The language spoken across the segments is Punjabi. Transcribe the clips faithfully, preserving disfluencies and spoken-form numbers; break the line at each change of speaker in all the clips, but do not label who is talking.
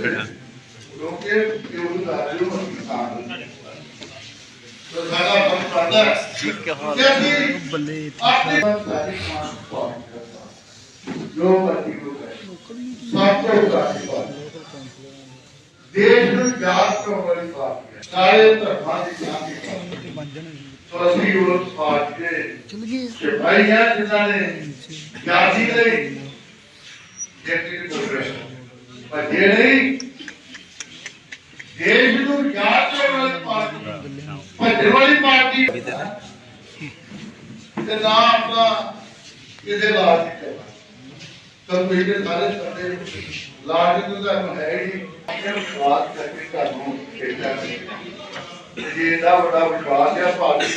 खड़ा
देश में जात को बड़ी बात है सारे धर्मां की शांति तो असली उस बात के सिपाही हैं जिन्होंने जाति नहीं व्यक्ति को प्रश्न पर ये नहीं देश में जात को बड़ी पार्टी पर बड़ी पार्टी के नाम अपना किसे लाज करना तो मेरे सारे करते लाज तो तो है ही बात करके कानून खेलता है ये ना बड़ा विश्वास है पार्टी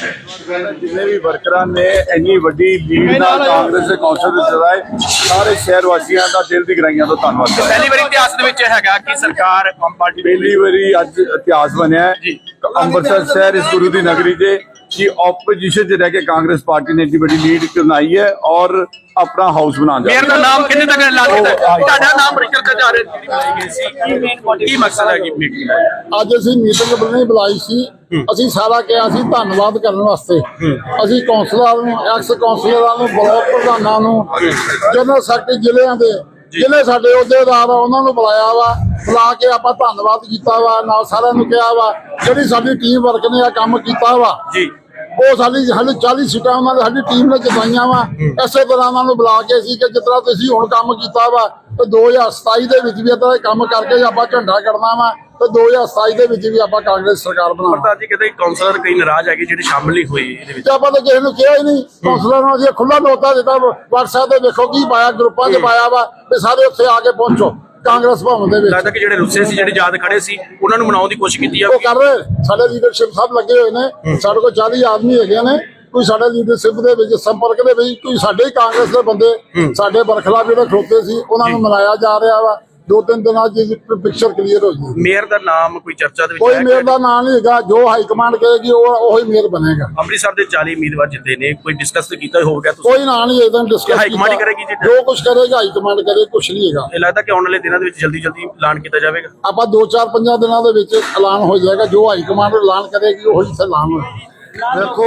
का
जिन्हें भी वर्करां ने इन्नी वड्डी लीड नाल कांग्रेस ਦੇ ਕੌਂਸਲ ਦੇ ਸਦਾਏ ਸਾਰੇ ਸ਼ਹਿਰ ਵਾਸੀਆਂ ਦਾ ਦਿਲ ਦੀ ਗਰਾਈਆਂ ਤੋਂ ਧੰਨਵਾਦ।
पहली बार इतिहास ਦੇ ਵਿੱਚ ਹੈਗਾ ਕਿ ਸਰਕਾਰ ਆਮ ਪਾਰਟੀ
ਪਹਿਲੀ ਵਾਰੀ ਅੱਜ ਇਤਿਹਾਸ ਬਣਿਆ ਹੈ ਅੰਮ੍ਰਿਤਸਰ ਸ਼ਹਿਰ ਇਸ ਗੁਰੂ ਦੀ ਨਗਰੀ ਦੇ कि ऑपोजिशन च रह के कांग्रेस पार्टी ने इतनी बड़ी लीड बनाई है और अपना हाउस बना
मेयर का नाम कितने तक ऐलान ਕੀਤਾ ਤੁਹਾਡਾ ਨਾਮ ਬ੍ਰੇਕਰ ਕਰ ਜਾ ਰਹੇ ਬਣਾਈ ਗਈ ਸੀ ਕੀ ਮੇਨ ਕੀ ਮਕਸਦ ਹੈ ਕਿ ਮੀਟਿੰਗ ਦਾ
ਅੱਜ ਅਸੀਂ ਮੀਟਿੰਗ ਬੁਲਾਈ ਬੁਲਾਈ ਸੀ ਅਸੀਂ ਸਾਰਾ ਕਿਹਾ ਸੀ ਧੰਨਵਾਦ ਕਰਨ ਵਾਸਤੇ ਅਸੀਂ ਕੌਂਸਲਰਾਂ ਨੂੰ ਐਕਸ ਕੌਂਸਲਰਾਂ ਨੂੰ ਬਲਾਕ ਪ੍ਰਧਾਨਾਂ ਨੂੰ ਜਨਰਲ ਸੈਕਟਰੀ ਜ਼ਿਲ੍ਹਿਆਂ ਦੇ ਜ਼ਿਲ੍ਹੇ ਸਾਡੇ ਅਹੁਦੇਦਾਰ ਆ ਉਹਨਾਂ ਨੂੰ ਬੁਲਾਇਆ ਵਾ ਬੁਲਾ ਕੇ ਆਪਾਂ ਧੰਨਵਾਦ ਕੀਤਾ ਵਾ ਨਾਲ ਸਾਰਿਆਂ ਨੂੰ ਕਿਹਾ ਵਾ ਜਿਹੜੀ ਸਾਡੀ ਟੀਮ ਵਰਕ ਨੇ ਆ ਕੰਮ ਕੀਤਾ ਵਾ ਜੀ ਉਹ ਸਾਡੀ ਸਾਡੀ ਚਾਲੀ ਸੀਟਾਂ ਉਹਨਾਂ ਨੇ ਸਾਡੀ ਟੀਮ ਨੇ ਜਿਤਾਈਆਂ ਵਾ ਇਸੇ ਤਰ੍ਹਾਂ ਉਹਨਾਂ ਨੂੰ ਬੁਲਾ ਕੇ ਸੀ ਕਿ ਜਿਸ ਤਰ੍ਹਾਂ ਤੁਸੀਂ ਹੁਣ ਕੰਮ ਕੀਤਾ ਵਾ ਤੇ ਦੋ ਹਜ਼ਾਰ ਸਤਾਈ ਦੇ ਵਿੱਚ ਵੀ ਇਦਾਂ ਕੰਮ ਕਰਕੇ ਆਪਾਂ ਝੰਡਾ ਕੱਢਣਾ ਵਾ ਤੇ ਦੋ ਹਜ਼ਾਰ ਸਤਾਈ ਦੇ ਵਿੱਚ ਵੀ ਆਪਾਂ ਕਾਂਗਰਸ ਸਰਕਾਰ ਬਣਾਵਾਂਗੇ।
ਪ੍ਰਧਾਨ ਜੀ ਕਹਿੰਦੇ ਕਾਉਂਸਲਰ ਕਈ ਨਾਰਾਜ਼ ਹੈਗੇ ਜਿਹੜੇ ਸ਼ਾਮਲ ਨਹੀਂ ਹੋਏ ਇਹਦੇ ਵਿੱਚ
ਆਪਾਂ ਤਾਂ ਕਿਸੇ ਨੂੰ ਕਿਹਾ ਹੀ ਨਹੀਂ ਕਾਉਂਸਲਰ ਨੂੰ ਅਸੀਂ ਖੁੱਲਾ ਨੋਟਾ ਦਿੱਤਾ WhatsApp ਤੇ ਦੇਖੋ ਕੀ ਪਾਇਆ ਗਰੁੱਪਾਂ 'ਚ ਪਾਇਆ ਵਾ ਤੇ ਸਾਰੇ ਉੱਥੇ ਆ ਕੇ ਪਹੁੰਚੋ ਕਾਂਗਰਸ ਭਵਨ ਦੇ ਵਿੱਚ।
ਲੱਗਦਾ ਕਿ ਜਿਹੜੇ ਰੁੱਸੇ ਸੀ ਜਿਹੜੇ ਯਾਦ ਖੜੇ ਸੀ ਉਹਨਾਂ ਨੂੰ ਮਨਾਉਣ ਦੀ ਕੋਸ਼ਿਸ਼ ਕੀਤੀ ਆ
ਉਹ ਕਰ ਰਹੇ ਸਾਡੇ ਲੀਡਰਸ਼ਿਪ ਸਭ ਲੱਗੇ ਹੋਏ ਨੇ ਸਾਡੇ ਕੋਲ ਚਾਲੀ ਆਦਮੀ ਹੈਗੇ ਨੇ ਕੋਈ ਸਾਡੇ ਲੀਡਰਸ਼ਿਪ ਦੇ ਵਿੱਚ ਸੰਪਰਕ ਦੇ ਵਿੱਚ ਕੋਈ ਸਾਡੇ ਹੀ ਕਾਂਗਰਸ ਦੇ ਬੰਦੇ ਸਾਡੇ ਬਰਖਲਾਫ ਜਿਹੜੇ ਖਲੋਤੇ ਸੀ ਉਹਨਾਂ ਨੂੰ ਮਨਾਇਆ ਜਾ ਰਿਹਾ ਵਾ ਦੋ ਤਿੰਨ ਦਿਨਾਂ ਚ ਪਿਕਚਰ ਕਲੀਅਰ ਹੋ ਜਾਊਗੀ।
ਮੇਅਰ ਦਾ ਨਾਮ ਕੋਈ ਚਰਚਾ ਦੇ ਵਿੱਚ
ਕੋਈ ਮੇਅਰ ਦਾ ਨਾਮ ਨਹੀਂ ਹੈਗਾ ਜੋ ਹਾਈ ਕਮਾਂਡ ਕਹੇਗੀ ਉਹ ਉਹੀ ਮੇਅਰ ਬਣੇਗਾ।
ਅੰਮ੍ਰਿਤਸਰ ਦੇ ਚਾਲੀ ਉਮੀਦਵਾਰ ਜਿੱਤੇ ਨੇ ਕੋਈ ਡਿਸਕਸ ਕੀਤਾ ਹੋਵੇਗਾ ਤੁਸੀਂ
ਕੋਈ ਨਾਂ ਨਹੀਂ ਇਹਦਾ ਡਿਸਕਸ
ਹਾਈ ਕਮਾਂਡ ਕਰੇਗੀ ਜੀ
ਜੋ ਕੁਝ ਕਰੇਗਾ ਹਾਈ ਕਮਾਂਡ ਕਰੇ ਕੁਝ ਨਹੀਂ ਹੈਗਾ।
ਇਹ ਲੱਗਦਾ ਕਿ ਆਉਣ ਵਾਲੇ ਦਿਨਾਂ ਦੇ ਵਿੱਚ ਜਲਦੀ ਜਲਦੀ ਐਲਾਨ ਕੀਤਾ ਜਾਵੇਗਾ
ਆਪਾਂ ਦੋ ਚਾਰ ਪੰਜਾਂ ਦਿਨਾਂ ਦੇ ਵਿੱਚ ਐਲਾਨ ਹੋ ਜਾਏਗਾ ਜੋ ਹਾਈ ਕਮਾਂਡ ਐਲਾਨ ਕਰੇਗੀ ਉਹੀ ਐਲਾਨ ਹੋਏਗਾ।
देखो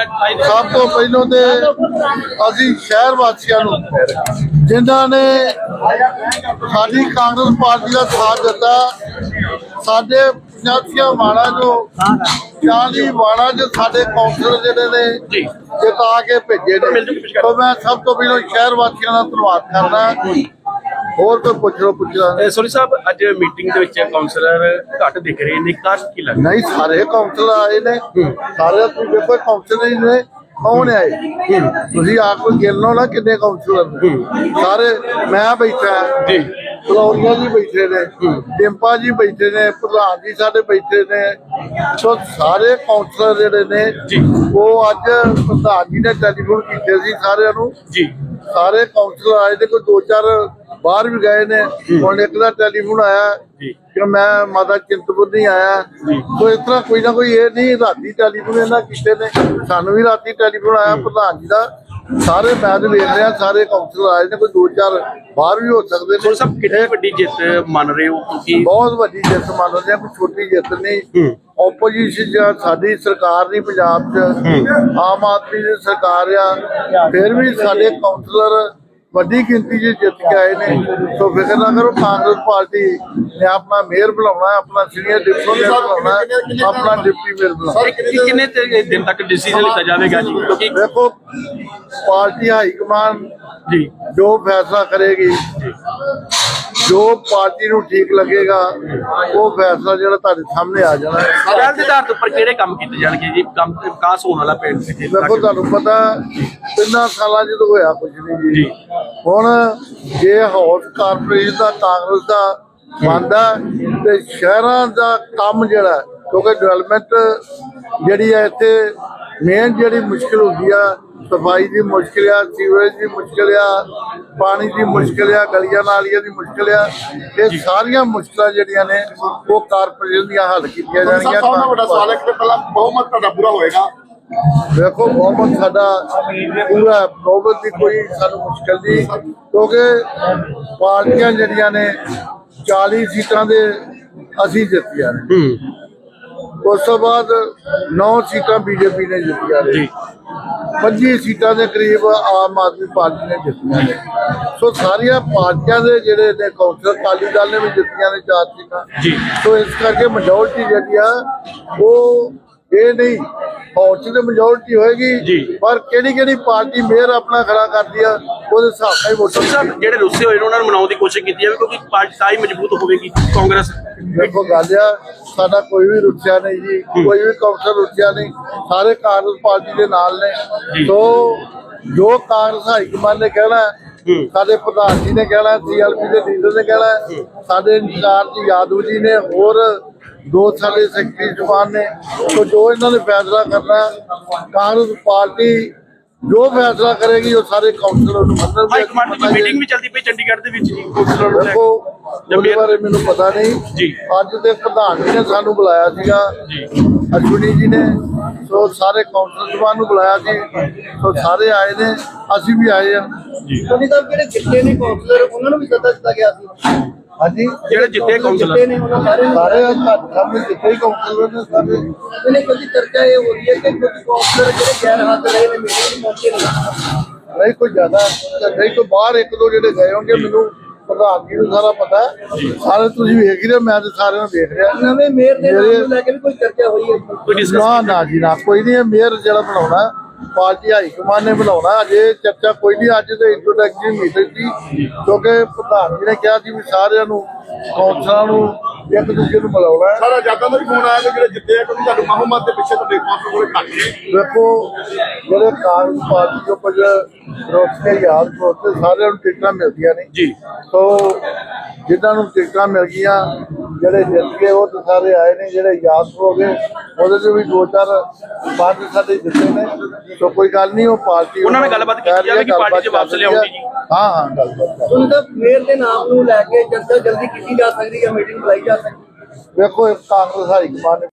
सब तो पहलों ते असी शहर वासियों जिन्होंने साडी कांग्रेस पार्टी का साथ दिता साडे पंचायतियां वाला जो चाली वाला जो साडे कौंसलर जिहड़े ने जिता के भेजे ने तो मैं सब तो पहलों शहर वासियों का धन्यवाद करना। ਹੋਰ ਕੋਈ ਪੁੱਛੋ ਪੁੱਛਣਾ
ਸੋਨੀ ਸਾਹਿਬ ਅੱਜ ਮੀਟਿੰਗ ਦੇ ਵਿੱਚ ਕਾਉਂਸਲਰ ਘੱਟ ਦਿਖ ਰਹੇ ਨੇ ਕਾਸ਼ ਕੀ ਲੱਗਦਾ
ਨਹੀਂ ਸਾਰੇ ਕਾਉਂਸਲਰ ਆਏ ਨੇ ਸਾਰੇ ਤੁਸੀਂ ਦੇਖੋ ਕਾਉਂਸਲਰ ਹੀ ਨੇ ਕੌਣ ਆਏ ਤੁਸੀਂ ਆਪ ਕੋਈ ਗਿਣ ਲਓ ਨਾ ਕਿੰਨੇ ਕਾਉਂਸਲਰ ਨੇ ਸਾਰੇ ਮੈਂ ਬੈਠਾ ਜੀ ਫਲੋਰੀਆ ਜੀ ਬੈਠੇ ਨੇ ਡਿੰਪਾ ਜੀ ਬੈਠੇ ਨੇ ਪ੍ਰਧਾਨ ਜੀ ਸਾਡੇ ਬੈਠੇ ਨੇ ਸੋ ਸਾਰੇ ਕਾਉਂਸਲਰ ਜਿਹੜੇ ਨੇ ਉਹ ਅੱਜ ਪ੍ਰਧਾਨ ਜੀ ਨੇ ਟੈਲੀਫੋਨ ਕੀਤੇ ਸੀ ਸਾਰਿਆਂ ਨੂੰ ਜੀ ਸਾਰੇ ਕਾਉਂਸਲਰ ਆਏ ਨੇ ਕੋਈ ਦੋ ਚਾਰ बाहर भी गए ने और एक का टेलीफोन आया कि मैं माता चिंतपुर नहीं आया तो इस तरह कोई ना कोई ये नहीं राती टेलीफोन इन्होंने किए ने सानू भी राती टेलीफोन आया प्रधान जी का सारे मैच वेख रहे हैं सारे काउंसलर आए ने कोई दो चार बाहर भी हो सकते हैं।
सब कितनी बड़ी जित मान रहे हो क्योंकि
बहुत बड़ी जित मान रहे हैं कोई छोटी जित नहीं ओपोजिशन साडी सरकार नहीं पंजाब च आम आदमी की सरकार आ फिर भी साडे काउंसलर ਵੱਡੀ ਗਿਣਤੀ ਚ ਜਿੱਤ ਕੇ ਆਏ ਨੇ तो फिक्र ना करो कांग्रेस पार्टी ने अपना मेयर बुलाना है अपना सीनियर डिप्टी मेयर बुलाना है अपना डिप्टी मेयर बुलाना
कितने दिन तक डिसीजन लिया जाएगा जी क्योंकि
देखो पार्टी हाईकमान जी जो फैसला करेगी जो पार्टी ਨੂੰ ठीक लगेगा वो फैसला ਜਿਹੜਾ ਤੁਹਾਡੇ ਸਾਹਮਣੇ ਆ ਜਾਣਾ ਹੈ।
ਅਦਾਲਤ ਦੇ ਆਧਾਰ ਉੱਪਰ ਕਿਹੜੇ ਕੰਮ ਕੀਤੇ ਜਾਣਗੇ ਜੀ ਕੰਮ ਵਿਕਾਸ ਹੋਣ ਵਾਲਾ ਪਿੰਡ ਵਿੱਚ
ਦੇਖੋ ਤੁਹਾਨੂੰ ਪਤਾ ਤਿੰਨਾਂ ਸਾਲਾਂ ਚ ਤਾਂ ਹੋਇਆ ਕੁਝ ਨਹੀਂ ਜੀ ਹੁਣ ਜੇ ਹਾਊਸ ਕਾਰਪੋਰੇਸ਼ਨ ਦਾ ਕਾਂਗਰਸ ਦਾ ਬਣਦਾ ਤੇ ਸ਼ਹਿਰਾਂ ਦਾ ਕੰਮ ਜਿਹੜਾ ਕਿਉਂਕਿ ਡਿਵੈਲਪਮੈਂਟ ਜਿਹੜੀ ਹੈ ਇੱਥੇ ਮੇਨ ਜਿਹੜੀ ਮੁਸ਼ਕਿਲ ਹੁੰਦੀ ਆ सफाई की मुश्किल आ सीवरेज की मुश्किल आ पानी की मुश्किल आ गलियां नालियां की मुश्किल आ ये सारिया मुश्किल जड़ियां ने वो कारपोरेशन दी हल कीतियां जाणगियां।
बहुमत तुहाडा पूरा होएगा
देखो बहुमत साडा पूरा बहुमत की कोई सानू मुश्किल नहीं क्योंकि पार्टियां जड़ियां ने ਚਾਲੀ ਸੀਟਾਂ ਦੇ ਅਸੀਂ ਜਿੱਤੀਆਂ ਨੇ।
ਹੂੰ
ਉਸ ਤੋਂ ਬਾਅਦ ਨੌ ਸੀਟਾਂ ਬੀਜੇਪੀ ਨੇ ਜਿੱਤੀਆਂ ਨੇ।
ਜੀ
ਪੱਚੀ ਸੀਟਾਂ ਦੇ ਕਰੀਬ ਆਮ ਆਦਮੀ ਪਾਰਟੀ ਨੇ ਜਿੱਤੀਆਂ ਨੇ। ਸੋ ਸਾਰੀਆਂ ਪਾਰਟੀਆਂ ਦੇ ਜਿਹੜੇ ਨੇ ਕੌਂਸਲਰ, ਅਕਾਲੀ ਦਲ ਨੇ ਵੀ ਜਿੱਤੀਆਂ ਨੇ ਚਾਰ ਸੀਟਾਂ।
ਜੀ
ਸੋ ਇਸ ਕਰਕੇ ਮੈਜੋਰਟੀ ਜਿਹੜੀ ਆ ਉਹ ਇਹ ਨਹੀਂ ਫੌਜ ਦੀ ਮੈਜੋਰਟੀ ਹੋਏਗੀ,
ਜੀ।
ਪਰ ਕਿਹੜੀ ਕਿਹੜੀ ਪਾਰਟੀ ਮੇਅਰ ਆਪਣਾ ਖੜਾ ਕਰਦੀ ਆ ਉਹਦੇ ਹਿਸਾਬ ਨਾਲ ਹੀ ਵੋਟਾਂ
ਸਾਹਿਬ ਜਿਹੜੇ ਰੁੱਸੇ ਹੋਏ ਨੇ ਉਹਨਾਂ ਨੂੰ ਮਨਾਉਣ ਦੀ ਕੋਸ਼ਿਸ਼ ਕੀਤੀ ਜਾਵੇ ਕਿਉਂਕਿ ਪਾਰਟੀ ਤਾਂ ਹੀ ਮਜ਼ਬੂਤ ਹੋਵੇਗੀ ਕਾਂਗਰਸ।
ਦੇਖੋ ਗੱਲ ਆ, ਸਾਡਾ ਕੋਈ ਵੀ ਰੁੱਸਿਆ ਨਹੀਂ ਜੀ, ਕੋਈ ਵੀ ਕੌਂਸਲਰ ਰੁੱਸਿਆ ਨਹੀਂ, ਸਾਰੇ ਕਾਂਗਰਸ ਪਾਰਟੀ ਦੇ ਨਾਲ ਨੇ। ਸੋ ਜੋ ਕਾਂਗਰਸ ਹਾਈ ਕਮਾਂਡ ਨੇ ਕਹਿਣਾ, ਸਾਡੇ ਪ੍ਰਧਾਨ ਜੀ ਨੇ ਕਹਿਣਾ, ਸੀਐਲਪੀ ਦੇ ਲੀਡਰ ਨੇ ਕਹਿਣਾ, ਸਾਡੇ ਇੰਚਾਰਜ ਯਾਦਵ ਜੀ ਨੇ, ਹੋਰ ਦੋ ਸਾਡੇ ਸੈਕਟਰੀ ਜਵਾਨ ਨੇ। ਸੋ ਜੋ ਇਹਨਾਂ ਨੇ ਫੈਸਲਾ ਕਰਨਾ, ਕਾਂਗਰਸ ਪਾਰਟੀ ਜੋ ਫੈਸਲਾ ਕਰੇਗੀ ਉਹ ਸਾਰੇ ਕਾਉਂਸਲਰ ਨੂੰ
ਹਾਈ
ਮੰਨਣਗੇ।
ਕਮਾਂਡ ਦੀ ਮੀਟਿੰਗ ਵੀ ਚੱਲਦੀ ਪਈ ਚੰਡੀਗੜ੍ਹ ਦੇ ਵਿੱਚ ਜੀ ਕਾਉਂਸਲਰ ਨੂੰ ਲੈ
ਦੇਖੋ
ਕੇ।
ਉਹਦੇ ਬਾਰੇ ਮੈਨੂੰ ਪਤਾ ਨਹੀਂ
ਜੀ।
ਅੱਜ ਦੇ ਪ੍ਰਧਾਨ ਜੀ ਨੇ ਸਾਨੂੰ ਬੁਲਾਇਆ ਸੀਗਾ, ਅਸ਼ਵਨੀ ਜੀ ਨੇ। ਸੋ ਸਾਰੇ ਕਾਉਂਸਲਰ ਜਵਾਨ ਨੂੰ ਬੁਲਾਇਆ ਸੀ, ਸੋ ਸਾਰੇ ਆਏ ਨੇ, ਅਸੀਂ ਵੀ ਆਏ ਆ।
ਸੋਨੀ ਸਾਹਿਬ ਜਿਹੜੇ ਜਿੱਤੇ ਨੇ ਕਾਉਂਸਲਰ ਉਹਨਾਂ ਨੂੰ ਵੀ ਸੱਦਾ ਦਿੱਤਾ ਗਿਆ ਸੀ।
ਹਾਂਜੀ,
ਜਿਹੜੇ ਜਿੱਤੇ ਕਾਉਂਸਲਰ
ਜਿੱਤੇ ਨੇ ਉਹਨਾਂ ਸਾਰੇ ਨੂੰ
ਸਾਰੇ ਘੱਟ ਸਾਹਮਣੇ ਜਿੱਥੇ ਹੀ ਕਾਉਂਸਲਰ ਨੇ ਸਾਰੇ।
ਇਹਨੇ ਕੋਈ ਚਰਚਾ ਇਹ ਹੋ ਰਹੀ ਹੈ ਕਿ ਕੁਝ ਕਾਉਂਸਲਰ ਜਿਹੜੇ ਗੈਰ ਹਾਜ਼ਰ ਰਹੇ ਨੇ ਮੀਟਿੰਗ ਪਹੁੰਚੇ ਨਹੀਂ।
ਨਹੀਂ ਕੋਈ ਜ਼ਿਆਦਾ ਨਹੀਂ, ਕੋਈ ਬਾਹਰ ਇੱਕ ਦੋ ਜਿਹੜੇ ਗਏ ਹੋਣਗੇ, ਮੈਨੂੰ ਪ੍ਰਧਾਨ ਜੀ ਨੂੰ ਸਾਰਾ ਪਤਾ ਹੈ। ਸਾਰੇ ਤੁਸੀਂ ਵੇਖ ਹੀ ਰਹੇ, ਮੈਂ ਤੇ ਸਾਰਿਆਂ ਨੂੰ ਵੇਖ ਰਿਹਾ।
ਨਵੇਂ ਮੇਅਰ ਦੇ ਨਾਮ ਨੂੰ ਲੈ ਕੇ ਵੀ ਕੋਈ ਚਰਚਾ ਹੋਈ ਹੈ?
ਕੋਈ ਡਿਸਕਸ
ਨਾ ਨਾ ਜੀ ਨਾ, ਕੋਈ ਨਹੀਂ। ਮੇਅਰ ਜਿਹੜਾ ਬਣਾਉਣਾ ਪਾਰਟੀ ਹਾਈ ਕਮਾਂਡ ਨੇ ਬਣਾਉਣਾ, ਅਜੇ ਚਰਚਾ ਕੋਈ ਨਹੀਂ। ਅੱਜ ਤੇ ਇੰਟਰੋਡਕਟਰੀ ਮੀਟਿੰਗ ਸੀ, ਕਿਉਂਕਿ ਪ੍ਰਧਾਨ ਜੀ ਨੇ ਕਿਹਾ ਸੀ ਵੀ ਸਾਰਿਆਂ ਨੂੰ ਕੌਂਸਲਰਾਂ ਨੂੰ ਇੱਕ ਦੂਜੇ ਨੂੰ ਮਿਲਾਉਣਾ ਹੈ।
ਸਾਰਾ ਜਾਤਾਂ ਦਾ ਵੀ ਫੋਨ ਆਇਆ ਕਿ ਜਿਹੜੇ ਜਿੱਤੇ ਆ ਕਿਉਂਕਿ ਤੁਹਾਨੂੰ ਮਹੰਮਦ ਦੇ ਪਿੱਛੇ ਤੁਹਾਡੇ ਕਾਉਂਸਲਰ ਕੋਲੇ ਘੱਟ ਨੇ।
ਦੇਖੋ ਜਿਹੜੇ ਕਾਂਗਰਸ ਪਾਰਟੀ ਤੋਂ ਕੁਝ ਰੋਕ ਕੇ ਯਾਦ ਦੋਸਤ ਸਾਰਿਆਂ ਨੂੰ ਟਿਕਟਾਂ ਮਿਲਦੀਆਂ ਨੇ
ਜੀ।
ਸੋ ਜਿਨ੍ਹਾਂ ਨੂੰ ਟਿਕਟਾਂ ਮਿਲ ਗਈਆਂ, ਜਿਹੜੇ ਜਿੱਤ ਗਏ ਉਹ ਤਾਂ ਸਾਰੇ ਆਏ ਨੇ। ਜਿਹੜੇ ਯਾਦ ਹੋ ਗਏ ਉਹਦੇ ਚ ਵੀ ਦੋ ਚਾਰ ਪੰਜ ਸਾਡੇ ਜਿੱਤੇ ਨੇ। ਸੋ ਕੋਈ ਗੱਲ ਨਹੀਂ, ਉਹ ਪਾਰਟੀ
ਉਹਨਾਂ ਨਾਲ ਗੱਲਬਾਤ ਕੀਤੀ ਜਾਵੇ ਕਿ ਪਾਰਟੀ 'ਚ ਵਾਪਸ ਲਿਆਉਣੀ ਜੀ।
ਹਾਂ ਹਾਂ ਗੱਲਬਾਤ ਕਰ।
ਸੋਨੀ ਸਾਹਿਬ ਮੇਅਰ ਦੇ ਨਾਮ ਨੂੰ ਲੈ ਕੇ ਚਰਚਾ ਜਲਦੀ ਕੀਤੀ ਜਾ ਸਕਦੀ ਹੈ, ਮੀਟਿੰਗ ਬੁਲਾਈ ਜਾ ਸਕਦੀ ਹੈ?
ਵੇਖੋ ਕਾਂਗਰਸ ਹਾਈ ਕਮਾਂਡ